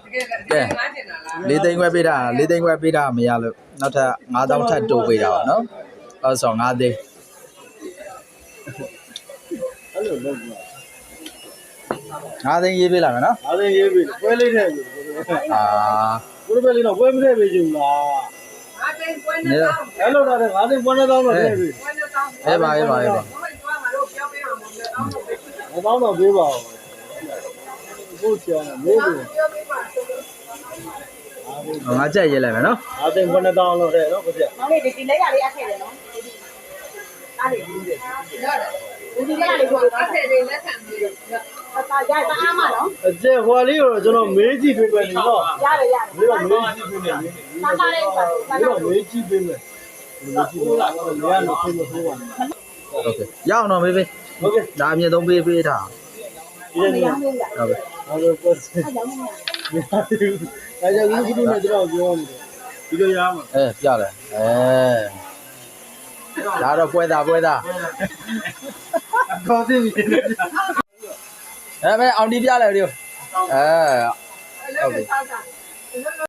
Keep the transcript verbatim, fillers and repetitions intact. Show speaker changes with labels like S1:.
S1: လေးသိန်းခွဲပေးတာလေးသိန်းခွဲပေးတာမရလို့နောက်ထပ်ငါးသောင်းထပ်တိုးပေးတာပါနော်အဲ့ဆိုငါးသိန်း
S2: အဲ့လိုလုပ်ကြ
S1: ငါးသိန်းရေးပေးလာမယ်နော်
S2: ငါးသိန်းရေးပေးပွဲလေးထဲ
S1: အာ
S2: ကိုယ်ပဲလေးတော့ပွဲမထည့်ပေးချင်ဘူးလား
S3: ငါးသိန်းပွဲနှစ်သောင်း
S2: အဲ့လိုတော့ငါးသိန်းပွဲနှစ်သောင်းတော့ထည့်ပေး
S3: ပွဲနှစ်သောင်း
S1: အေးပါအေးပါအေးပါ
S2: ငါးသောင်းတော့ပေးပါဦးကိုချောင်းမေးပြီ
S1: ငါကြက်ရေးလိုက်မယ်နော်
S2: ငါးသိန်းပွဲနှစ်သောင်းတော့ထည့်နော်ကိုပြ
S3: မောင်လေးဒီလက်ရလေးအထည့်တယ်နော်အားလေးရတယ်ဒီလက်ရလေးကိုအထည့်တယ်လက်ခံပြီးတော့ဒါရပါအားမနော်
S2: အကျက်ဟွာလေးကိုတော့ကျွန်တော်မေးကြည့်ပေးမယ်နော်
S3: ရတယ်ရတယ်
S2: မေးတော့မေးကြည့်ပေးမယ်
S3: ပါပါလေးပါ
S2: မေးတော့မေးကြည့်ပေးမယ်မေးကြည့်ပေးလားမေးရလို့ဖိမဆိုးပါနဲ့
S1: โอเคရအောင်တော့မေးပေး
S2: โอเค
S1: ဒါအမြင့်ဆုံးပေးပေးထား
S2: ဒီနေ့ဟုတ်ကဲ့ဟုတ်ကဲ့ပတ်စံအဲကြောင့်ဒီလိုနဲ့တော့ပြောနေတယ်ဒီလိုရမှာ
S1: အဲပြတယ်အဲဒါတော့ပွဲသားပွဲသား
S2: ခေါ်သိပြီ
S1: အဲမဲအောင်ဒီပြလိုက်ဒီအဲ
S3: ဟုတ်ကဲ့